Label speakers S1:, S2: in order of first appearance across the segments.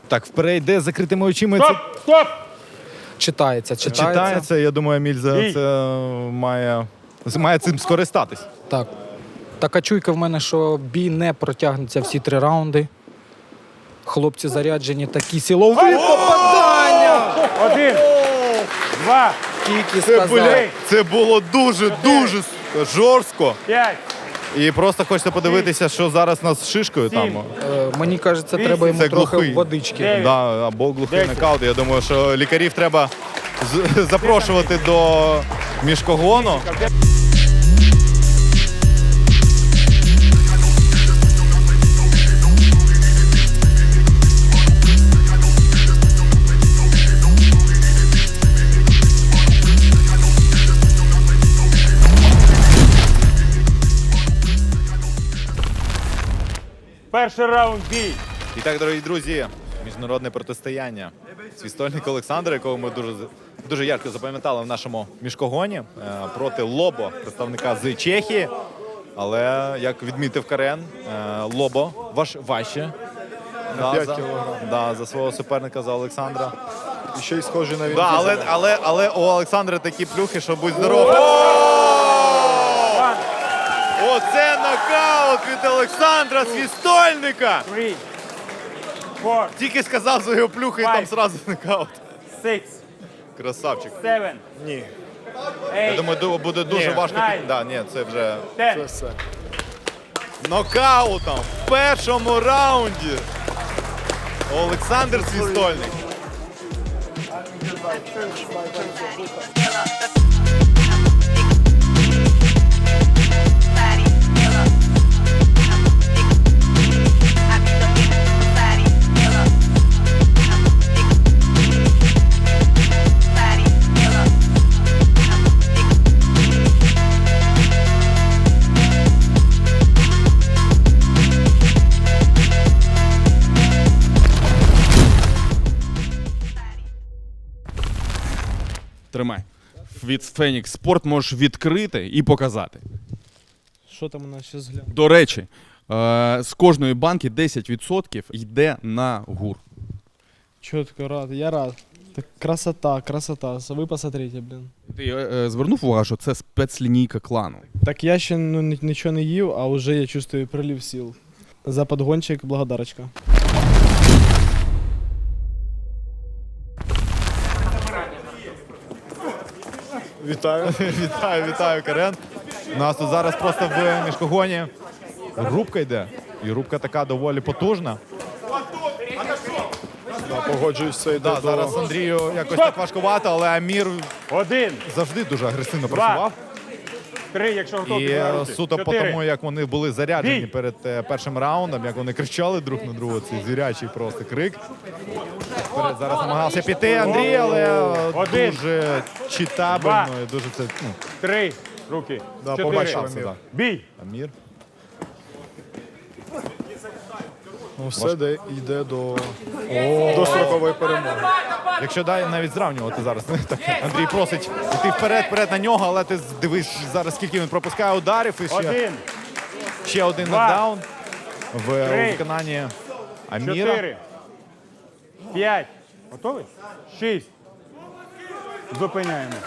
S1: Так, вперед йде з закритими очима.
S2: Стоп! Стоп!
S1: Читається. Я думаю, Еміль за це має цим скористатись.
S3: Так. Така чуйка в мене, що бій не протягнеться всі 3 раунди. Хлопці заряджені, такі силові попадання!
S2: 1, 2,
S3: Тільки сказав.
S1: Це було дуже жорстко.
S2: 5,
S1: І просто хочеться подивитися, що зараз у нас з шишкою там.
S3: Мені кажеться, треба йому
S1: Це
S3: трохи
S1: глухий.
S3: водички.
S2: Дев'ять.
S1: Да, або глухий
S2: 10.
S1: нокаут. Я думаю, що лікарів треба запрошувати до міжкогону.
S2: перший раунд бій.
S1: І так, дорогі друзі, міжнародне протистояння. Свістольник Олександр, якого ми дуже ярко запам'ятали в нашому міжкогоні, проти Лобо, представника з Чехії. Але, як відмітив Карен, Лобо важче.
S4: На 5 кілограм.
S1: За свого суперника, за Олександра.
S4: І ще й схожий на він.
S1: Але у Олександра такі плюхи, що будь здоров. Оце нокаут від Олександра Свістольника!
S2: 3, 4,
S1: Тільки сказав за його плюхи і там
S2: Five.
S1: зразу нокаут.
S2: 6,
S1: Красавчик.
S2: 7,
S4: Ні,
S1: Я
S2: 8,
S1: думаю, буде дуже
S4: Ні.
S1: важко.
S2: Nine.
S1: Да, ні, це вже
S2: 10.
S4: це все.
S1: нокаутом в першому раунді. Олександр Свістольник.
S5: Тримай. Від Фенікс Спорт можеш відкрити і показати.
S6: Що там у нас ще згляд?
S5: До речі, з кожної банки 10% йде на гур.
S6: Чітко рад, я рад. Так красота. Ви посмотрите, блін.
S5: Ти звернув увагу, що це спецлінійка клану.
S6: Так я ще нічого не їв, а вже я чувствую прилив сил. За подгончик благодарочка.
S1: Вітаю, Карен. У нас тут зараз просто в міжкогоні рубка йде. І рубка така доволі потужна.
S4: Погоджуюсь, це йде
S1: Да,
S4: до...
S1: зараз Андрію якось так важкувато, але Амір
S2: 1,
S1: завжди дуже агресивно
S2: Два.
S1: працював.
S2: 3, якщо готові.
S1: І
S2: підняти.
S1: суто по
S2: 4.
S1: тому, як вони були заряджені
S2: Бій!
S1: перед першим раундом, як вони кричали друг на друга, цей звірячий просто крик. Вперед зараз намагався піти Андрій, але
S2: Один.
S1: дуже читабельно
S2: Два.
S1: і дуже це
S2: 3, руки.
S4: Да,
S2: 4.
S4: побачив.
S1: Шанси, да.
S2: Бій.
S1: Амір.
S4: Ну, все йде до строкової перемоги.
S1: Якщо навіть зрівнювати зараз, так, Андрій просить йти вперед на нього, але ти дивись зараз, скільки він пропускає ударів. І
S2: 1,
S1: ще один
S2: Два.
S1: нокдаун в
S2: Три.
S1: виконанні Аміра.
S2: 4, 5. Готовий? 6. Зупиняємо.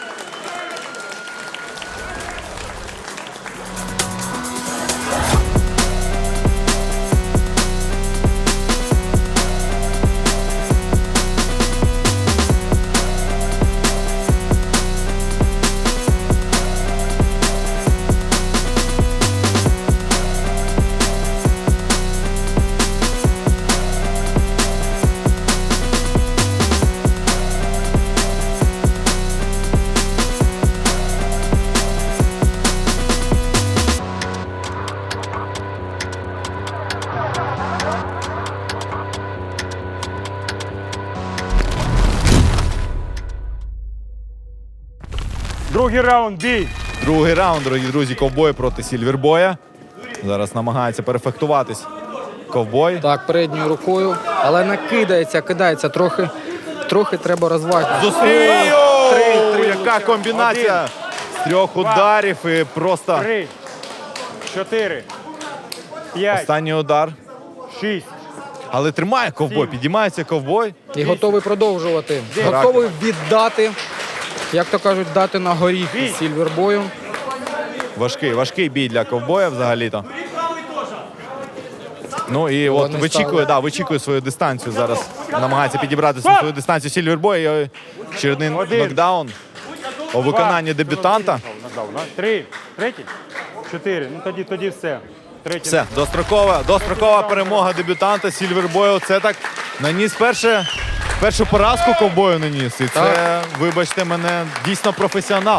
S2: Другий раунд, бій.
S1: Другий раунд, дорогі друзі, ковбой проти Сільвербоя. Зараз намагається перефектуватись ковбой.
S3: Так, передньою рукою, але кидається трохи треба розважити.
S1: Зустрів!
S3: Три.
S1: Яка комбінація з 3 ударів і просто
S2: 3, 4, 5,
S1: останній удар.
S2: 6.
S1: Але тримає ковбой, підіймається ковбой.
S3: І готовий продовжувати.
S1: Характер.
S3: Готовий віддати, як то кажуть, дати на горіх із Сільвербою.
S1: Важкий бій для ковбоя взагалі-то. Ну і от
S3: Вони
S1: вичікує свою дистанцію зараз. Намагається підібрати свою дистанцію Сільвербой. І очередний нокдаун у виконанні дебютанта.
S2: Три. Третій? 4. Ну тоді все. Третій.
S1: Все, дострокова перемога дебютанта Сільвербою. Це так наніс першу поразку ковбою наніс. І це, вибачте мене, дійсно професіонал.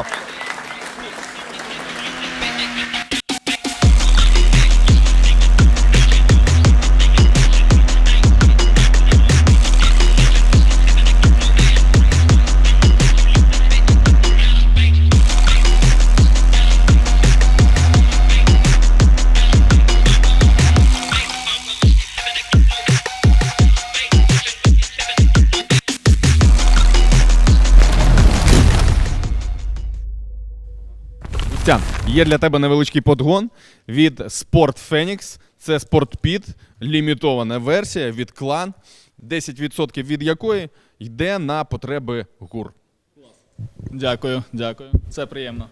S5: Костян, є для тебе невеличкий подгон від Sport Phoenix. Це SportPit, лімітована версія від клан, 10% від якої йде на потреби ГУР.
S7: Дякую. Це приємно.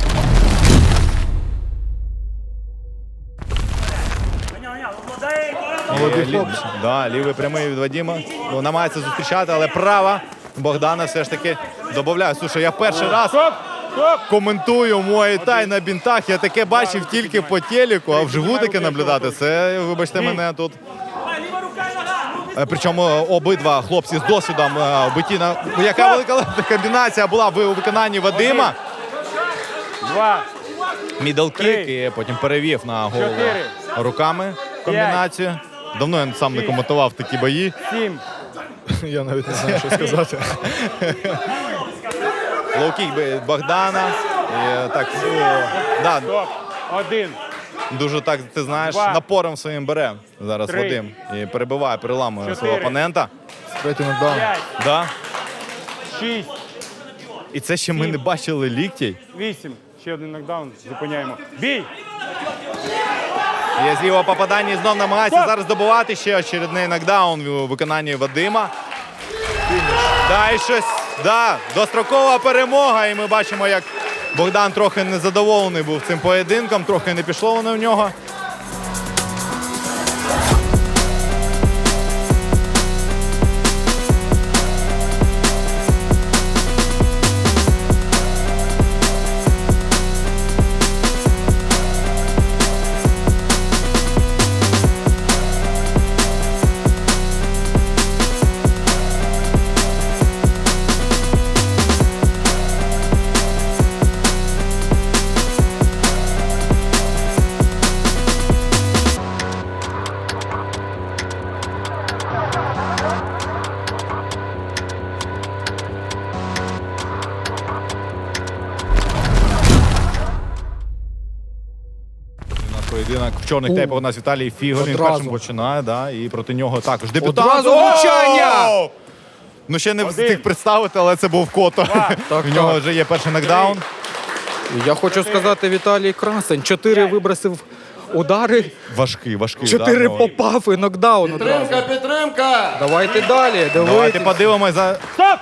S1: Лівий прямий від Вадима. Ну, намагається зустрічати, але права Богдана все ж таки додає. Слушай, я перший раз коментую Муай-Тай на бінтах. Я таке бачив тільки по телеку, а вживу таке наблюдати. Це, вибачте мене, тут. Причому обидва хлопці з досвідом биті на... Яка велика комбінація була в виконанні Вадима.
S2: 2.
S1: Мідл-кік і потім перевів на голову
S2: 4.
S1: руками комбінацію. Давно я сам не коментував такі бої.
S2: 7.
S4: Я навіть не знаю, що сказати.
S1: Лоу-кік Богдана. І, так, да,
S2: Стоп. 1.
S1: дуже так, ти знаєш,
S2: 2.
S1: напором своїм бере зараз
S2: 3.
S1: Вадим. І перебиває, переламує
S2: 4.
S1: свого опонента.
S4: Третій нокдаун.
S2: 5.
S1: Да.
S2: 6.
S1: І це ще ми не бачили ліктей.
S2: 8. Ще один нокдаун. Зупиняємо. Бій!
S1: Є зліва попадання і знов намагається зараз добувати ще очередний нокдаун у виконанні Вадима. Да, і щось, да, дострокова перемога. І ми бачимо, як Богдан трохи незадоволений був цим поєдинком, трохи не пішло воно в нього. Поєдинок в чорних тейпах у нас Віталій Фіголь. Він
S3: Одразу.
S1: першим починає, да, і проти нього також дебютант.
S3: Одразу влучання!
S1: О! Ну ще не встиг представити, але це був Кото. В нього вже є перший нокдаун.
S3: Я хочу сказати, Віталій красень. 4 вибросив удари,
S1: Важкий.
S3: 4
S1: да, ну.
S3: попав і нокдаун одразу.
S8: Підтримка!
S3: Давайте далі.
S1: Давайте
S3: Дивитись.
S1: подивимось за
S2: Стоп!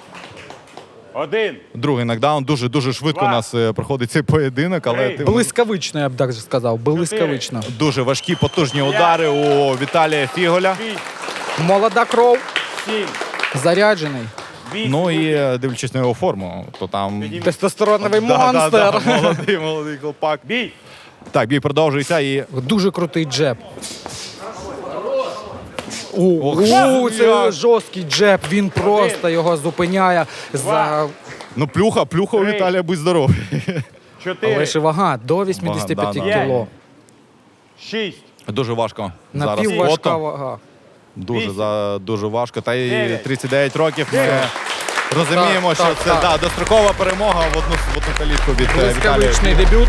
S2: 1.
S1: другий нокдаун. Дуже швидко у нас проходить цей поєдинок, але
S2: Три.
S3: Блискавично, я б так сказав. Блискавично.
S1: дуже важкі, потужні удари у Віталія Фіголя.
S2: 6.
S3: Молода кров,
S2: 7.
S3: заряджений.
S2: 8.
S1: Ну і дивлячись на його форму, то там
S3: Тестостероновий
S1: Да,
S3: монстр.
S1: молодий хлопак.
S2: Бій!
S1: Так, бій продовжується і
S3: Дуже крутий джеб. Це
S1: як.
S3: жорсткий джеб. Він просто його зупиняє.
S1: ну плюха у
S2: 3.
S1: Віталія, будь здоровий.
S2: 4.
S3: Але ж вага до 85
S1: Вага, да.
S3: кіло.
S2: 6.
S1: Дуже важко зараз.
S3: Напівважка
S1: Кото.
S3: вага.
S1: Дуже важко. Та й
S2: 9.
S1: 39 років. Ми розуміємо,
S3: Так,
S1: що
S3: так,
S1: це
S3: так.
S1: Да, дострокова перемога в одну калітку від Віталія.
S3: Блискавичний дебют.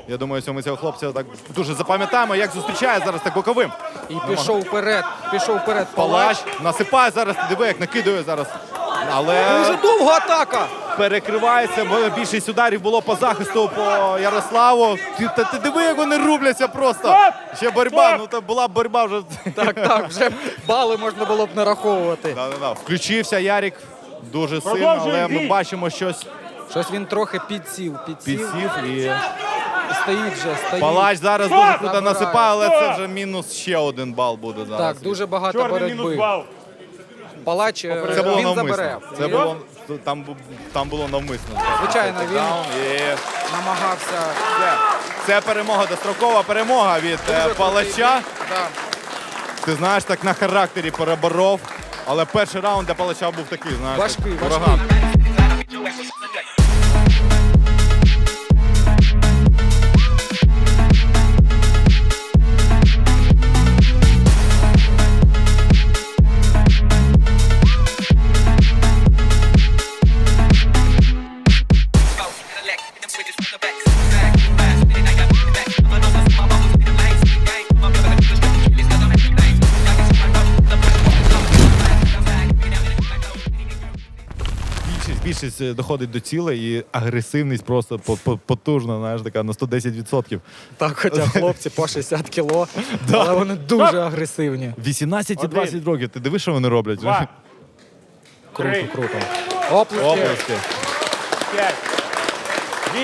S1: Я думаю, що ми цього хлопця так дуже запам'ятаємо, як зустрічає зараз так боковим.
S3: І пішов вперед. Палач.
S1: Палач насипає зараз, диви, як накидує зараз. Але
S3: Дуже довга атака.
S1: перекривається, бо більшість ударів було по захисту по Ярославу. Ти диви, як вони рубляться просто. Ще боротьба, ну то була б боротьба вже.
S3: Так, вже бали можна було б нараховувати.
S1: Да. Включився Ярік дуже сильно, але ми бачимо щось
S3: Щось він трохи підсів.
S1: підсів. І
S3: Стоїть вже, стоїть.
S1: Палач зараз дуже круто
S3: Забирає.
S1: насипає, але це вже мінус ще 1 бал буде зараз.
S3: Так, дуже багато
S2: Чорний мінус
S3: боротьби.
S2: бал.
S3: Палач
S1: Це було
S3: він
S1: навмисно.
S3: забере.
S1: Це було, там було навмисно.
S3: Звичайно, він
S1: Даун, і
S3: намагався.
S1: це перемога, дострокова перемога від Палача.
S3: Да.
S1: Ти знаєш, так на характері переборов. Але перший раунд для Палача був такий, знаєш,
S3: Важкий,
S1: як ураган. Більшість доходить до цілей і агресивність просто потужна, знаєш, така на 110%.
S3: Так, хоча хлопці по 60 кіло, але вони дуже агресивні.
S1: 18 і 20 років. Ти дивиш, що вони роблять?
S2: Два.
S3: Круто,
S2: Три.
S3: круто. Оплески.
S1: Оплески.
S2: 5. Бій.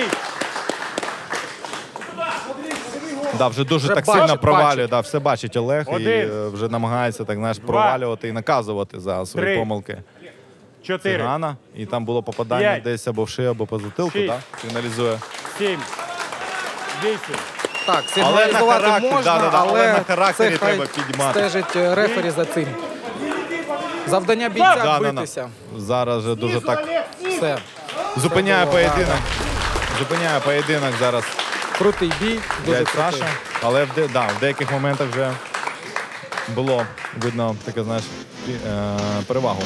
S1: Да, вже дуже
S3: Вже
S1: так
S3: бачить,
S1: сильно провалює.
S3: бачить.
S1: Да, все бачить Олег і
S2: Один.
S1: вже намагається так, знаєш, провалювати і наказувати за свої
S2: Три.
S1: помилки.
S2: 4.
S1: Цигана. І там було попадання
S2: П'ять.
S1: десь або в шию, або по затилку.
S2: Шість.
S1: Да? Фіналізує.
S2: 7. 8.
S3: Так,
S1: Але на
S3: сигналізувати
S1: характер,
S3: можна,
S1: да-да-да, але на
S3: але
S1: характері
S3: це хай
S1: треба підіймати.
S3: стежить рефері за цим. Завдання бійця
S1: Да,
S3: битися.
S1: Зараз же дуже так
S3: Все.
S1: зупиняє
S3: було,
S1: поєдинок. Зупиняє поєдинок зараз
S3: Крутий бій, дуже
S1: дядь
S3: крутий.
S1: Саша. Але в деяких моментах вже було видно таке, знаєш, перевагу.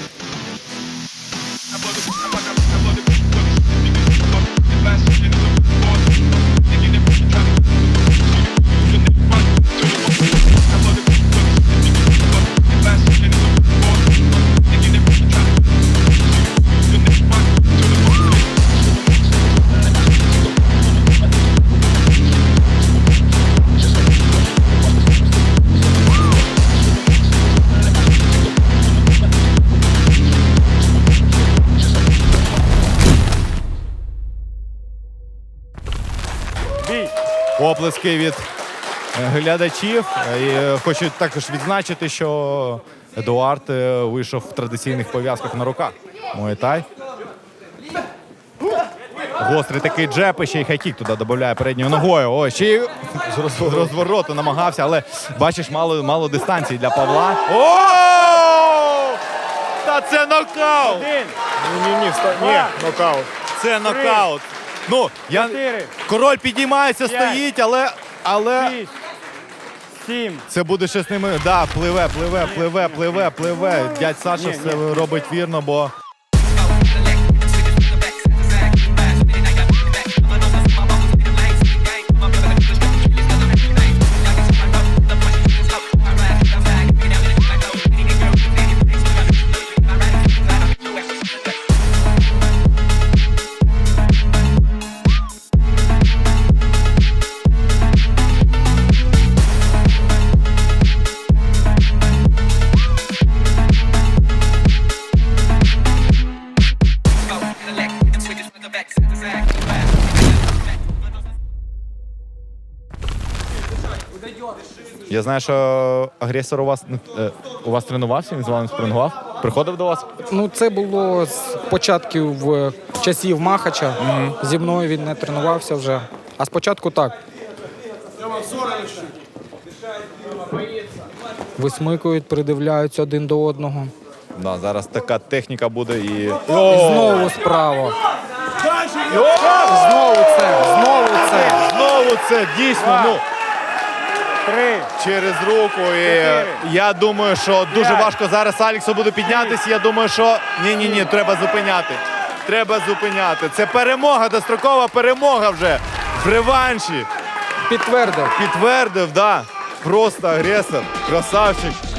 S2: Бій.
S1: Оплески від глядачів. І хочу також відзначити, що Едуард вийшов в традиційних пов'язках на руках. Муай-тай. Гострий такий джеб, і ще й хайкік туди додає передньою ногою. Ой, ще й з розвороту намагався, але бачиш, мало дистанції для Павла. О! Та це нокаут!
S2: 1.
S6: Ні, нокаут.
S1: Це нокаут. Ну,
S2: 4.
S1: король підіймається,
S2: П'ять.
S1: стоїть, але
S2: 6. 7.
S1: це буде ще з ними. Да, пливе. Дядь Саша
S2: Ні,
S1: все робить вірно, бо я знаю, що агресор у вас тренувався, він з вами спрингував. Приходив до вас?
S3: Ну, це було з початків часів Махача. Зі мною він не тренувався вже. А спочатку так. Висмикують, придивляються один до одного.
S1: Да, зараз така техніка буде і.
S3: І знову справа. Знову це.
S1: Дійсно, ну.
S2: 3.
S1: Через руку. І я думаю, що дуже важко зараз Аліксу буде піднятися. Я думаю, що ні, треба зупиняти. Треба зупиняти. Це перемога, дострокова перемога вже в реванші.
S3: Підтвердив.
S1: Підтвердив, да. Просто агресор. Красавчик.